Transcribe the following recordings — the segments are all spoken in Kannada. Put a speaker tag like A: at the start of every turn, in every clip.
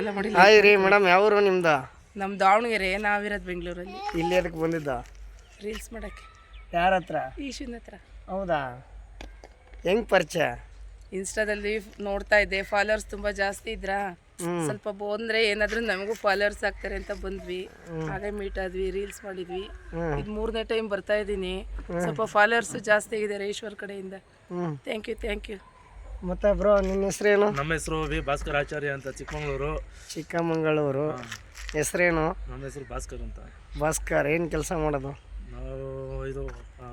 A: ಹಾಯ್ ರೀ ಮೇಡಮ್, ಯಾವರು ನಿಮ್ದು?
B: ನಮ್ಮ ದಾವಣಗೆರೆ, ನಾವಿರೋದು ಬೆಂಗಳೂರಲ್ಲಿ.
A: ಇಲ್ಲಿ ಅದಕ್ಕೆ ಬಂದಿದ್ದ
B: ರೀಲ್ಸ್ ಮಾಡಕ್ಕೆ.
A: ಯಾರ ಹತ್ರ?
B: ಈಶಿನ ಹತ್ರ.
A: ಹೌದಾ, ಹೆಂಗ್ ಪರಿಚಯ?
B: ಇನ್ಸ್ಟಾದಲ್ಲಿ ನೋಡ್ತಾ ಇದ್ದೆ, ಫಾಲೋವರ್ಸ್ ತುಂಬ ಜಾಸ್ತಿ ಇದ್ರಾ, ಸ್ವಲ್ಪ ಬಂದ್ರೆ ಏನಾದ್ರೂ ನಮಗೂ ಫಾಲೋವರ್ಸ್ ಆಗ್ತಾರೆ ಅಂತ ಬಂದ್ವಿ. ಹಾಗೆ ಮೀಟ್ ಆದ್ವಿ, ರೀಲ್ಸ್ ಮಾಡಿದ್ವಿ. ಇದು 3ನೇ ಟೈಮ್ ಬರ್ತಾ ಇದ್ದೀನಿ. ಸ್ವಲ್ಪ ಫಾಲೋವರ್ಸ್ ಜಾಸ್ತಿ ಆಗಿದ್ದಾರೆ ಈಶ್ವರ್ ಕಡೆಯಿಂದ. Thank you.
A: ಮತ್ತೆ ಬ್ರೋ, ನಿನ್ನ ಹೆಸರೇನು?
C: ನಮ್ಮ ಹೆಸರು ವಿ ಭಾಸ್ಕರ್ ಆಚಾರ್ಯ ಅಂತ,
A: ಚಿಕ್ಕಮಗಳೂರು. ಹೆಸರೇನು?
C: ನಮ್ಮ ಹೆಸರು ಭಾಸ್ಕರ್ ಅಂತ.
A: ಭಾಸ್ಕರ್, ಏನು ಕೆಲಸ ಮಾಡೋದು?
C: ನಾವು ಇದು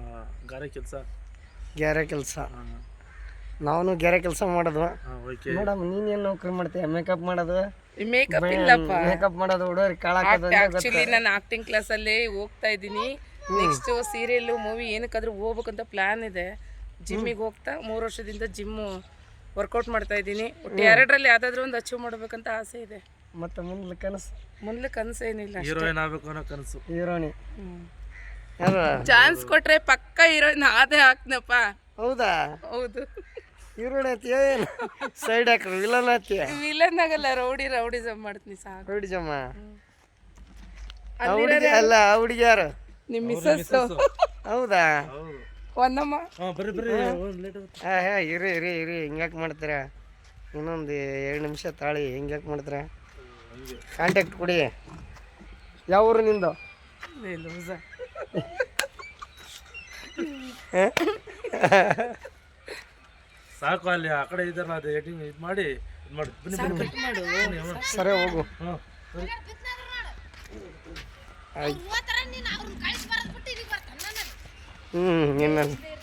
A: ಗ್ಯಾರೆ ಕೆಲಸ. ನಾವು ಗ್ಯಾರೆ ಕೆಲಸ ಮಾಡೋದು.
C: ಓಕೆ
A: ಮೇಡಮ್, ನೀನೇನು ನೌಕರಿ ಮಾಡ್ತೀಯ? ಮೇಕಪ್ ಮಾಡೋದು?
B: ಮೇಕಪ್ ಇಲ್ಲಪ್ಪ,
A: ಮೇಕಪ್ ಮಾಡೋದು ಹುಡುಗರು ಕಾಳಾಕೋದು.
B: ಆಕ್ಚುಲಿ ನಾನು ಆಕ್ಟಿಂಗ್ ಕ್ಲಾಸಲ್ಲಿ ಹೋಗ್ತಾ ಇದ್ದೀನಿ. ನೆಕ್ಸ್ಟ್ ಸೀರಿಯಲ್, ಮೂವಿ ಏನಕ್ಕಾದ್ರೂ ಹೋಗ್ಬೇಕಂತ ಪ್ಲಾನ್ ಇದೆ. ಜಿಮ್ಮಿಗೆ ಹೋಗ್ತಾ 3 ವರ್ಷದಿಂದ ಜಿಮ್ಮು ವರ್ಕೌಟ್ ಮಾಡ್ತಾ ಇದ್ದೀನಿ. ಒಟ್ಟು 2ರಲ್ಲಿ ಯಾವ್ದಾದ್ರು ಒಂದು ಅಚೀವ್ ಮಾಡ್ಬೇಕಂತ ಆಸೆ ಇದೆ.
A: ಮತ್ತೆ ಮುಂದೆ ಕನಸು
B: ಏನಿಲ್ಲ,
C: ಹೀರೋಯಿನ್ ಆಗಬೇಕು ಅನ್ನೋ ಕನಸು.
A: ಹೀರೋಣಿ
B: ಚಾನ್ಸ್ ಕೊಟ್ರೆ ಪಕ್ಕ ಹೀರೋಯಿನ್ ಆದೇ ಹಾಕ್ನಪ್ಪ.
A: ಹೌದಾ?
B: ಹೌದು.
A: ಹೀರೋಣಿ ಆತಿಯ, ಏನು ಸೈಡ್ ಹಾಕ್ರು? ವಿಲನ್ ಆತಿಯ?
B: ವಿಲನ್ ಆಗಲ್ಲ, ರೌಡಿಸಮ್ ಮಾಡ್ತೀನಿ ಸಾಕು.
A: ರೌಡಿಸಮ್ಮ ಅಲ್ಲ, ಹುಡುಗಿ ಯಾರು?
B: ನಿಮ್ಮ ಮಿಸ್ಸಸ್.
A: ಹೌದಾ?
B: ಒಂದಮ್ಮ.
A: ಇರಿ ಹಿಂಗ್ಯಾಕೆ ಮಾಡ್ತೀರ? ಇನ್ನೊಂದು 2 ನಿಮಿಷ ತಾಳಿ. ಹಿಂಗ್ಯಾಕೆ ಮಾಡ್ತೀರ? ಕಾಂಟ್ಯಾಕ್ಟ್ ಕೊಡಿ. ಯಾವ ಊರು ನಿಂದು?
C: ಸಾಕು, ಅಲ್ಲಿ ಆ ಕಡೆ ಇದ್ದಾರಲ್ಲ, ಅದು ಎಡಿಟಿಂಗ್ ಇದು ಮಾಡಿ
A: ಸರಿ, ಹೋಗು. ಇನ್ನು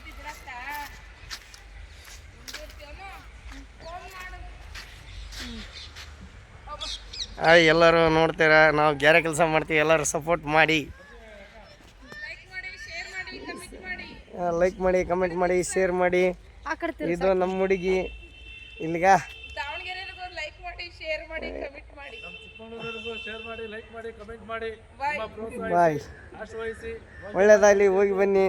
A: ಎಲ್ಲರೂ ನೋಡ್ತೀರಾ, ನಾವು ಗ್ಯಾರೆ ಕೆಲಸ ಮಾಡ್ತೀವಿ. ಎಲ್ಲರೂ ಸಪೋರ್ಟ್ ಮಾಡಿ, ಲೈಕ್ ಮಾಡಿ, ಕಮೆಂಟ್ ಮಾಡಿ, ಶೇರ್ ಮಾಡಿ. ಇದು ನಮ್ಮ ಹುಡುಗಿ. ಇಲ್ಲಿಗ ಬಾಯ್. ಒಳ್ಳೇದಾಗಲಿ, ಹೋಗಿ ಬನ್ನಿ.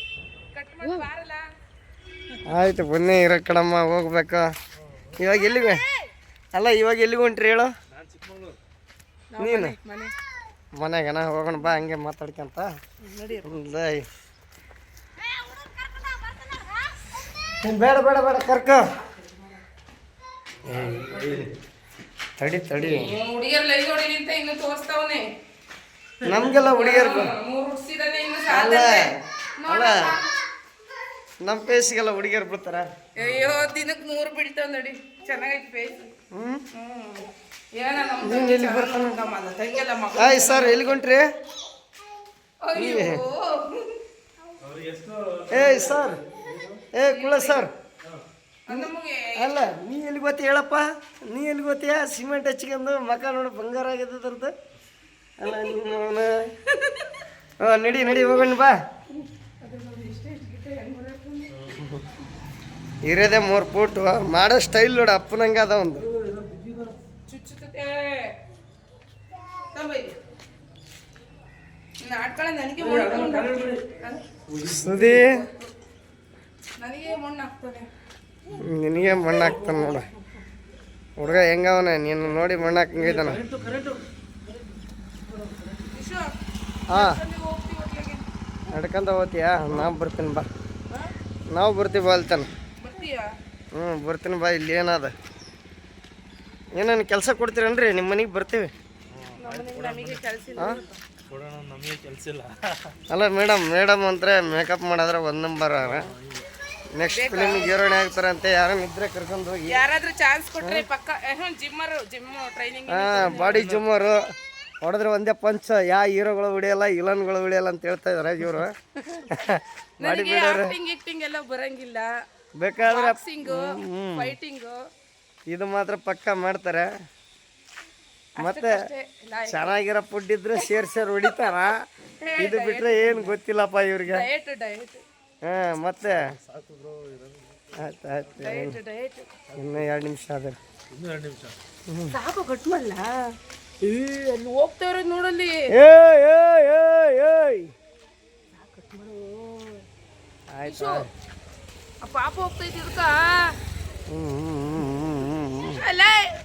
A: ಆಯ್ತು, ಬನ್ನಿ. ಇರೋ ಕಡಮ್ಮ, ಹೋಗ್ಬೇಕು. ಇವಾಗ ಎಲ್ಲಿಗೆ? ಅಲ್ಲ, ಇವಾಗ ಎಲ್ಲಿಗೆ ಹೊಂಟ್ರಿ ಹೇಳು? ನೀನು ಮನೆಗನ ಹೋಗೋಣ ಬಾ, ಹಂಗೆ ಮಾತಾಡ್ಕೊಂತ. ಬೇಡ ಕರ್ಕ. ತಡಿ ನಮ್ಗೆಲ್ಲ ಹುಡುಗಿಯರ್ಗು ಅಲ್ಲ, ನಮ್ಮ ಪೇಸ್ಗೆಲ್ಲ ಹುಡುಗಿಯರು ಬಿಡ್ತಾರ.
B: ಅಯ್ಯೋ, ದಿನಕ್ಕೆ 100 ಬಿಡ್ತಾವ ನೋಡಿ. ಚೆನ್ನಾಗೈತಿ ಪೇಸ್.
A: ಆಯ್ ಸರ್, ಎಲ್ಲಿಗೊಂಟ್ರಿ? ಏಯ್ ಸರ್, ಕುಳ ಸರ್. ಅಲ್ಲ, ನೀ ಎಲ್ಲಿ ಗೊತ್ತಿ ಹೇಳಪ್ಪ? ನೀ ಎಲ್ಲಿ ಗೊತ್ತೀಯ? ಸಿಮೆಂಟ್ ಹಚ್ಕೊಂಡು ಮಕ ನೋಡಿ ಬಂಗಾರ ಆಗಿದ್ದದಂತ. ಅಲ್ಲ, ನಡಿ ಹೋಗೋಣ ಬಾ. ಇರೋದೇ 3 ಫೂಟು. ಮಾಡೋ ಸ್ಟೈಲ್ ನೋಡ, ಅಪ್ಪನಂಗೆ ಅದ ಒಂದು. ಸುದಿ ನಿನಗೆ ಮಣ್ಣು ಹಾಕ್ತಾನೆ ನೋಡ. ಹುಡುಗ ಹೆಂಗವನ ನೀನು ನೋಡಿ ಮಣ್ಣು ಹಾಕಂಗಿದ್ದಾನ. ಹಾಂ, ನಡ್ಕೊಂತ ಹೋಗ್ತೀಯಾ? ನಾವು ಬರ್ತೀನಿ ಬಾ. ನಾವು ಬರ್ತೀವಿ ಬಾ ಅಲ್ತಾನೆ. ಬರ್ತೀನಿ ಬಾ. ಇಲ್ಲಿ ಏನದ? ಏನೇನು ಕೆಲಸ ಕೊಡ್ತೀರನ್ರಿ? ನಿಮ್ಮ ಮನೆಗೆ ಬರ್ತೀವಿ. ಅಲ್ಲ ಮೇಡಮ್ ಅಂದ್ರೆ ಮೇಕಪ್ ಮಾಡಿದ್ರೆ 1 ನಂಬರ್. ನೆಕ್ಸ್ಟ್ ಫಿಲ್ಮಿಗೆ ಹೀರೋಯಿನ್ ಆಗ್ತಾರೆ ಅಂತ ಯಾರನ್ನ ಇದ್ರೆ ಕರ್ಕೊಂಡು ಹೋಗಿ.
B: ಯಾರಾದ್ರೂ ಚಾನ್ಸ್ ಕೊಟ್ರೆ ಪಕ್ಕ ಜಿಮ್ ಟ್ರೈನಿಂಗ್.
A: ಬಾಡಿ ಜಿಮ್ಮರು ಹೊಡೆದ್ರೆ ಒಂದೇ ಪಂಚ್. ಯಾವ ಹೀರೋಗಳು ಹೊಡಿಯಲ್ಲ, ವಿಲನ್ಗಳು ಹೊಡಿಯಲ್ಲ ಅಂತ ಹೇಳ್ತಾ ಇದಾರೆ ಇವರು. ಬಾಡಿ ಬಿಲ್ಡರ್
B: ಎಲ್ಲ ಬರಂಗಿಲ್ಲ.
A: ಬೇಕಾದ್ರೆ
B: ಫೈಟಿಂಗ್
A: ಇದು ಮಾತ್ರ ಪಕ್ಕ ಮಾಡ್ತಾರೆ. ಮತ್ತೆ ಚೆನ್ನಾಗಿರೋ ಫುಡ್ ಇದ್ರೆ ಸೇರ್ ಹೊಡಿತಾರ. ಇದು ಬಿಟ್ರೆ ಏನು ಗೊತ್ತಿಲ್ಲಪ್ಪ ಇವ್ರಿಗೆ. ಮತ್ತೆ ಆಯ್ತು, ಇನ್ನು 2 ನಿಮಿಷ ಅದ.
B: ಸಾಕು, ಕಟ್ ಮಾಡಲ್ಲ. ಅಲ್ಲಿ ಹೋಗ್ತಾ ಇರೋದು ನೋಡಲ್ಲಿ.
A: ಆಯ್ತು,
B: ಪಾಪ ಹೋಗ್ತಾ ಇದ್ದ. ಅಲ್ಲ